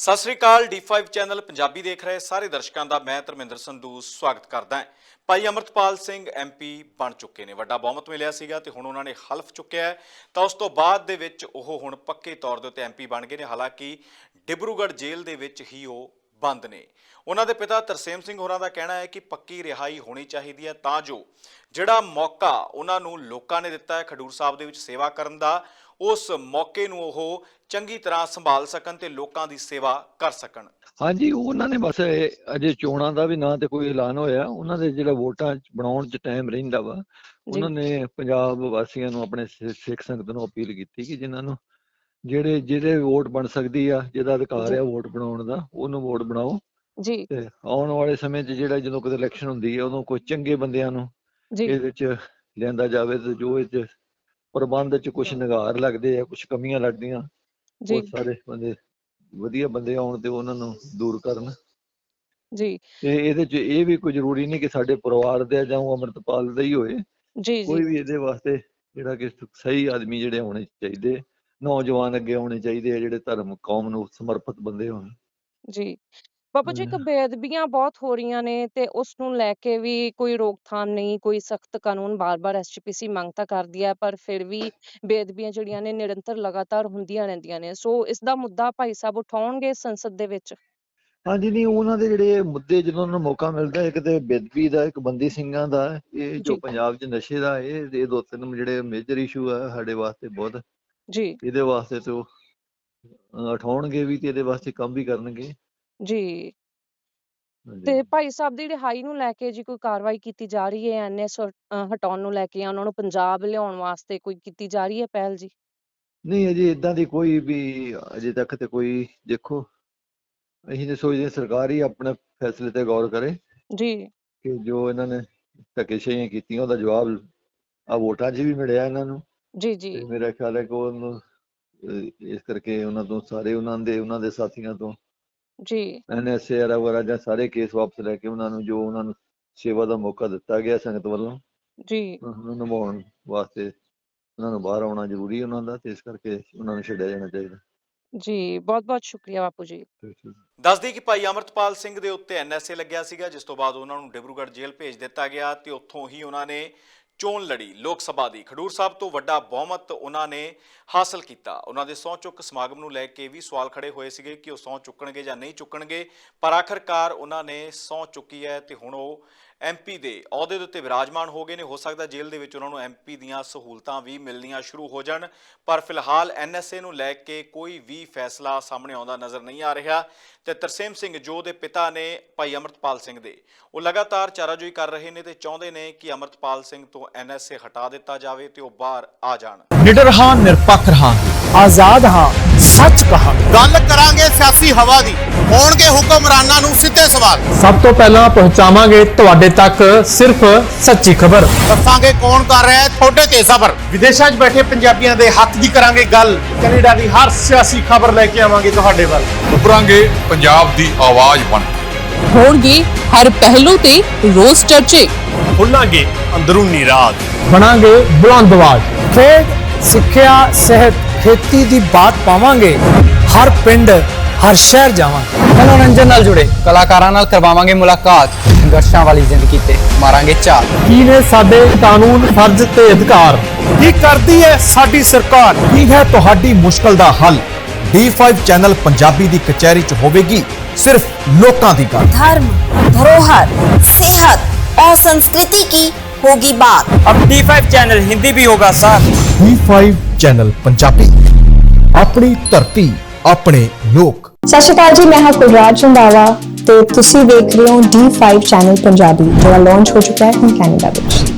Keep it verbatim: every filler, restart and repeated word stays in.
ਸਤਿ ਸ੍ਰੀ ਅਕਾਲ ਡੀ ਫਾइव ਚੈਨਲ ਪੰਜਾਬੀ ਦੇਖ ਰਹੇ ਸਾਰੇ ਦਰਸ਼ਕਾਂ ਦਾ ਮੈਂ ਧਰਮਿੰਦਰ ਸੰਧੂ ਸਵਾਗਤ ਕਰਦਾ ਹਾਂ। ਭਾਈ ਅਮਰਤਪਾਲ ਸਿੰਘ ਐਮਪੀ ਬਣ ਚੁੱਕੇ ਨੇ, ਵੱਡਾ ਬਹੁਮਤ ਮਿਲਿਆ ਸੀਗਾ ਤੇ ਹੁਣ ਉਹਨਾਂ ਨੇ ਹਲਫ ਚੁੱਕਿਆ ਹੈ ਤਾਂ ਉਸ ਤੋਂ ਬਾਅਦ ਦੇ ਵਿੱਚ ਉਹ ਹੁਣ ਪੱਕੇ ਤੌਰ ਦੇ ਉੱਤੇ ਐਮਪੀ ਬਣ ਗਏ ਨੇ। ਹਾਲਾਂਕਿ ਡਿਬਰੂਗੜ੍ਹ ਜੇਲ੍ਹ ਦੇ ਵਿੱਚ ਹੀ ਉਹ ਬੰਦ ਨੇ। ਉਹਨਾਂ ਦੇ ਪਿਤਾ ਤਰਸੇਮ ਸਿੰਘ ਹੋਰਾਂ ਦਾ ਕਹਿਣਾ ਹੈ ਕਿ ਪੱਕੀ ਰਿਹਾਈ ਹੋਣੀ ਚਾਹੀਦੀ ਹੈ ਤਾਂ ਜੋ ਜਿਹੜਾ ਮੌਕਾ ਉਹਨਾਂ ਨੂੰ ਲੋਕਾਂ ਨੇ ਦਿੱਤਾ ਹੈ ਖਡੂਰ ਸਾਹਿਬ ਦੇ ਵਿੱਚ ਸੇਵਾ ਕਰਨ ਦਾ, ਉਸ ਮੌਕੇ ਨੂੰ ਉਹ ਚੰਗੀ ਤਰ੍ਹਾਂ ਸੰਭਾਲ ਸਕਣ ਤੇ ਲੋਕਾਂ ਦੀ ਸੇਵਾ ਕਰ ਸਕਣ। ਹਾਂਜੀ, ਉਹਨਾਂ ਨੇ ਬਸ ਅਜੇ ਚੋਣਾਂ ਦਾ ਵੀ ਨਾ ਤੇ ਕੋਈ ਐਲਾਨ ਹੋਇਆ। ਉਹਨਾਂ ਦੇ ਜਿਹੜਾ ਵੋਟਾਂ ਬਣਾਉਣ 'ਚ ਟਾਈਮ ਰਹਿੰਦਾ ਵਾ, ਉਹਨਾਂ ਨੇ ਪੰਜਾਬ ਵਾਸੀਆਂ ਨੂੰ, ਆਪਣੇ ਸਿੱਖ ਸੰਗਤ ਨੂੰ ਅਪੀਲ ਕੀਤੀ ਕਿ ਜਿਨ੍ਹਾਂ ਨੂੰ ਜਿਹੜੇ ਜਿਹਦੇ ਵੋਟ ਬਣ ਸਕਦੀ ਆ, ਜਿਹਦਾ ਅਧਿਕਾਰ ਆ ਵੋਟ ਬਣਾਉਣ ਦਾ, ਉਹਨੂੰ ਵੋਟ ਬਣਾਓ ਜੀ। ਤੇ ਆਉਣ ਵਾਲੇ ਸਮੇਂ 'ਚ ਜਿਹੜਾ ਜਦੋਂ ਕੋਈ ਇਲੈਕਸ਼ਨ ਹੁੰਦੀ ਹੈ ਉਦੋਂ ਕੋਈ ਚੰਗੇ ਬੰਦਿਆਂ ਨੂੰ ਇਹਦੇ ਵਿੱਚ ਲਿਆਂਦਾ ਜਾਵੇ ਤੇ ਜੋ ਇਹ 'ਚ ਪ੍ਰਬੰਧ 'ਚ ਕੁਛ ਨਿਗਾਰ ਲੱਗਦੇ ਆ, ਕੁਛ ਕਮੀਆਂ ਲੱਗਦੀਆਂ, ਉਹ ਸਾਰੇ ਬੰਦੇ ਵਧੀਆ ਬੰਦੇ ਆਉਣ ਤੇ ਉਹਨਾਂ ਨੂੰ ਦੂਰ ਕਰਨ ਜੀ। ਤੇ ਇਹਦੇ 'ਚ ਇਹ ਵੀ ਕੋਈ ਜ਼ਰੂਰੀ ਨਹੀਂ ਕਿ ਸਾਡੇ ਪਰਿਵਾਰ ਦੇ ਜਾਂ ਅਮਰਤਪਾਲ ਦਾ ਹੀ ਹੋਏ, ਕੋਈ ਵੀ ਇਹਦੇ ਵਾਸਤੇ ਜਿਹੜਾ ਕਿ ਸਹੀ ਆਦਮੀ ਜਿਹੜੇ ਹੋਣੇ ਚਾਹੀਦੇ, ਨੌਜਵਾਨ ਅੱਗੇ ਆਉਣੇ ਚਾਹੀਦੇ ਆ, ਜਿਹੜੇ ਧਰਮ ਕੌਮ ਨੂੰ ਸਮਰਪਿਤ ਬੰਦੇ ਹੋਣ ਜੀ। ਬਾਬਾ ਜੀ, ਇੱਕ ਬੇਅਦਬੀਆਂ ਬਹੁਤ ਹੋ ਰਹੀਆਂ ਨੇ ਤੇ ਉਸ ਨੂੰ ਲੈ ਕੇ ਵੀ ਕੋਈ ਰੋਕਥਾਮ ਨਹੀਂ, ਕੋਈ ਸਖਤ ਕਾਨੂੰਨ। ਬਾਰ-ਬਾਰ ਐਸ ਜੀ ਪੀ ਸੀ ਮੰਗ ਤਾਂ ਕਰਦੀ ਹੈ ਪਰ ਫਿਰ ਵੀ ਬੇਅਦਬੀਆਂ ਜਿਹੜੀਆਂ ਨੇ ਨਿਰੰਤਰ ਲਗਾਤਾਰ ਹੁੰਦੀਆਂ ਰਹਿੰਦੀਆਂ ਨੇ। ਸੋ ਇਸ ਦਾ ਮੁੱਦਾ ਭਾਈ ਸਾਹਿਬ ਉਠਾਉਣਗੇ ਸੰਸਦ ਦੇ ਵਿੱਚ? ਹਾਂਜੀ, ਨਹੀਂ, ਉਹਨਾਂ ਦੇ ਜਿਹੜੇ ਮੁੱਦੇ ਜਦੋਂ ਉਹਨਾਂ ਨੂੰ ਮੌਕਾ ਮਿਲਦਾ, ਇੱਕ ਤੇ ਬੇਅਦਬੀ ਦਾ, ਇੱਕ ਬੰਦੀ ਸਿੰਘਾਂ ਦਾ, ਇਹ ਜੋ ਪੰਜਾਬ 'ਚ ਨਸ਼ੇ ਦਾ, ਇਹ ਇਹ ਦੋ ਤਿੰਨ ਜਿਹੜੇ ਮੇਜਰ ਇਸ਼ੂ ਆ ਸਾਡੇ ਵਾਸਤੇ ਬਹੁਤ ਜੀ। ਇਹਦੇ ਵਾਸਤੇ ਤੇ ਉਹ ਉਠਾਉਣਗੇ ਵੀ ਤੇ ਇਹਦੇ ਵਾਸਤੇ ਕੰਮ ਵੀ ਕਰਨਗੇ ਜੀ। ਤੇ ਭਾਈ ਸਾਹਿਬ ਦੀ ਰਿਹਾਈ ਨੂੰ ਲੈ ਕੇ ਜੀ ਕੋਈ ਕਾਰਵਾਈ ਕੀਤੀ ਜਾ ਰਹੀ ਹੈ? ਐਨ ਐਸ ਹਟਾਉਣ ਨੂੰ ਲੈ ਕੇ, ਉਹਨਾਂ ਨੂੰ ਪੰਜਾਬ ਲਿਆਉਣ ਵਾਸਤੇ ਕੋਈ ਕੀਤੀ ਜਾ ਰਹੀ ਹੈ ਪਹਿਲ ਜੀ? ਨਹੀਂ, ਅਜੇ ਏਦਾਂ ਦੀ ਕੋਈ ਵੀ ਅਜੇ ਤੱਕ ਤੇ ਕੋਈ, ਦੇਖੋ ਅਸੀਂ ਤਾਂ ਸੋਚਦੇ ਸਰਕਾਰ ਹੀ ਆਪਣੇ ਫੈਸਲੇ ਤੇ ਗੌਰ ਕਰੇ ਜੀ, ਕਿ ਜੋ ਇਹਨਾਂ ਨੇ ਧੱਕੇਸ਼ਾਹੀਆਂ ਕੀਤੀਆਂ ਉਹਦਾ ਜਵਾਬ ਆ ਵੋਟਾਂ 'ਚ ਵੀ ਮਿਲਿਆ ਇਹਨਾਂ ਨੂੰ ਜੀ ਜੀ। ਮੇਰਾ ਖਿਆਲ ਹੈ ਕਿ ਉਹਨੂੰ ਇਸ ਕਰਕੇ ਉਹਨਾਂ ਤੋਂ ਸਾਰੇ ਉਹਨਾਂ ਦੇ ਉਹਨਾਂ ਦੇ ਸਾਥੀਆਂ ਤੋਂ ਜੀ ਐਨ ਐਸ ਏ ਵਗੈਰਾ ਜਾਂ ਸਾਰੇ ਕੇਸ ਵਾਪਸ ਲੈ ਕੇ ਉਹਨਾਂ ਨੂੰ ਜੋ ਉਹਨਾਂ ਨੂੰ ਸੇਵਾ ਦਾ ਮੌਕਾ ਦਿੱਤਾ ਗਿਆ ਸੰਗਤ ਵੱਲੋਂ ਜੀ, ਉਹਨੂੰ ਨਿਭਾਉਣ ਵਾਸਤੇ ਉਹਨਾਂ ਨੂੰ ਬਾਹਰ ਆਉਣਾ ਜ਼ਰੂਰੀ ਉਹਨਾਂ ਦਾ, ਤੇ ਇਸ ਕਰਕੇ ਉਹਨਾਂ ਨੂੰ ਛੱਡਿਆ ਜਾਣਾ ਚਾਹੀਦਾ ਜੀ। ਬਹੁਤ ਬਹੁਤ ਸ਼ੁਕਰੀਆ ਬਾਪੂ ਜੀ। ਦੱਸਦੀ ਕਿ ਭਾਈ ਅਮਰਤਪਾਲ ਸਿੰਘ ਦੇ ਉੱਤੇ ਐਨ ਐਸ ਏ ਲੱਗਿਆ ਸੀਗਾ, ਜਿਸ ਤੋਂ ਬਾਅਦ ਉਹਨਾਂ ਨੂੰ ਡਿਬਰੂਗੜ੍ਹ ਜੇਲ੍ਹ ਭੇਜ ਦਿੱਤਾ ਗਿਆ ਤੇ ਉੱਥੋਂ ਹੀ ਉਹਨਾਂ ਨੇ ਚੋਣ ਲੜੀ ਲੋਕ ਸਭਾ ਦੀ। ਖਡੂਰ ਸਾਹਿਬ ਤੋਂ ਵੱਡਾ ਬਹੁਮਤ ਉਹਨਾਂ ਨੇ ਹਾਸਲ ਕੀਤਾ। ਉਹਨਾਂ ਦੇ ਸਹੁੰ ਚੁੱਕ ਸਮਾਗਮ ਨੂੰ ਲੈ ਕੇ ਵੀ ਸਵਾਲ ਖੜੇ ਹੋਏ ਸੀਗੇ ਕਿ ਉਹ ਸਹੁੰ ਚੁੱਕਣਗੇ ਜਾਂ ਨਹੀਂ ਚੁੱਕਣਗੇ, ਪਰ ਆਖਰਕਾਰ ਉਹਨਾਂ ਨੇ ਸਹੁੰ ਚੁੱਕੀ ਹੈ ਤੇ ਹੁਣ ਉਹ ਐਮਪੀ ਦੇ ਅਹੁਦੇ ਦੇ ਉੱਤੇ ਵਿਰਾਜਮਾਨ ਹੋ ਗਏ ਨੇ। ਹੋ ਸਕਦਾ ਜੇਲ੍ਹ ਦੇ ਵਿੱਚ ਉਹਨਾਂ ਨੂੰ ਐਮਪੀ ਦੀਆਂ ਸਹੂਲਤਾਂ ਵੀ ਮਿਲਣੀਆਂ ਸ਼ੁਰੂ ਹੋ ਜਾਣ, ਪਰ ਫਿਲਹਾਲ ਐਨ ਐਸ ਏ ਨੂੰ ਲੈ ਕੇ ਕੋਈ ਵੀ ਫੈਸਲਾ ਸਾਹਮਣੇ ਆਉਂਦਾ ਨਜ਼ਰ ਨਹੀਂ ਆ ਰਿਹਾ। ਤੇ ਤਰਸੇਮ ਸਿੰਘ ਜੋ ਦੇ ਪਿਤਾ ਨੇ ਭਾਈ ਅਮਰਤਪਾਲ ਸਿੰਘ ਦੇ, ਉਹ ਲਗਾਤਾਰ ਚਾਰਾਜੋਈ ਕਰ ਰਹੇ ਨੇ ਤੇ ਚਾਹੁੰਦੇ ਨੇ ਕਿ ਅਮਰਤਪਾਲ ਸਿੰਘ ਤੋਂ ਐਨ ਐਸ ਏ ਹਟਾ ਦਿੱਤਾ ਜਾਵੇ ਤੇ ਉਹ ਬਾਹਰ ਆ ਜਾਣ। ਨਿਡਰ ਹਾਂ, ਨਿਰਪੱਖ ਹਾਂ, ਆਜ਼ਾਦ ਹਾਂ, ਸੱਚ ਕਹਾਂ। ਗੱਲ ਕਰਾਂਗੇ ਸਿਆਸੀ ਹਵਾ ਦੀ, ਹੋਣਗੇ ਹੁਕਮਰਾਨਾਂ ਨੂੰ ਸਿੱਧੇ ਸਵਾਲ। ਸਭ ਤੋਂ ਪਹਿਲਾਂ ਪਹੁੰਚਾਵਾਂਗੇ ਤੁਹਾਡੇ ਤੱਕ ਸਿਰਫ ਸੱਚੀ ਖਬਰ। ਦੱਸਾਂਗੇ ਕੌਣ ਕਰ ਰਿਹਾ ਹੈ ਤੁਹਾਡੇ ਤੇ ਸਬਰ। ਵਿਦੇਸ਼ਾਂ 'ਚ ਬੈਠੇ ਪੰਜਾਬੀਆਂ ਦੇ ਹੱਕ ਦੀ ਕਰਾਂਗੇ ਗੱਲ। ਕੈਨੇਡਾ ਦੀ ਹਰ ਸਿਆਸੀ ਖਬਰ ਲੈ ਕੇ ਆਵਾਂਗੇ ਤੁਹਾਡੇ ਵੱਲ। ਉੱਭਰਾਂਗੇ ਪੰਜਾਬ ਦੀ ਆਵਾਜ਼ ਬਣ। ਹੋਣਗੇ ਹਰ ਪਹਿਲੂ ਤੇ ਰੋਜ਼ ਚਰਚੇ। ਖੁੱਲਾਂਗੇ ਅੰਦਰੂਨੀ ਰਾਜ, ਬਣਾਂਗੇ ਬੁਲੰਦ ਆਵਾਜ਼। ਖੇਡ, ਸਿੱਖਿਆ, ਸਿਹਤ, ਖੇਤੀ ਦੀ ਬਾਤ ਪਾਵਾਂਗੇ। ਹਰ ਪਿੰਡ, ਹਰ ਸ਼ਹਿਰ ਜਾਵਾਂਗੇ। ਮਨੋਰੰਜਨ ਨਾਲ ਜੁੜੇ ਕਲਾਕਾਰਾਂ ਨਾਲ ਕਰਵਾਵਾਂਗੇ ਮੁਲਾਕਾਤ। ਸੰਘਰਸ਼ਾਂ ਵਾਲੀ ਜ਼ਿੰਦਗੀ ਤੇ ਮਾਰਾਂਗੇ ਝਾਤ। ਕੀ ਨੇ ਸਾਡੇ ਕਾਨੂੰਨ, ਫਰਜ਼ ਤੇ ਅਧਿਕਾਰ? ਕੀ ਕਰਦੀ ਹੈ ਸਾਡੀ ਸਰਕਾਰ? ਕੀ ਹੈ ਤੁਹਾਡੀ ਮੁਸ਼ਕਲ ਦਾ ਹੱਲ? ਡੀ ਫਾइव ਚੈਨਲ ਪੰਜਾਬੀ ਦੀ ਕਚਹਿਰੀ 'ਚ ਹੋਵੇਗੀ सिर्फ लोकां दी बात। धर्म, धरोहर, सेहत और संस्कृति की होगी बात। अब डी फाइव चैनल हिंदी भी होगा साथ। डी फाइव चैनल पंजाबी, अपनी धरती, अपने लोक। सत श्री अकाल जी, मैं हां कुलराज रंधावा ते तुसी देख रहे हो डी फाइव चैनल पंजाबी, जो लॉन्च हो चुका है हम कैनेडा विच।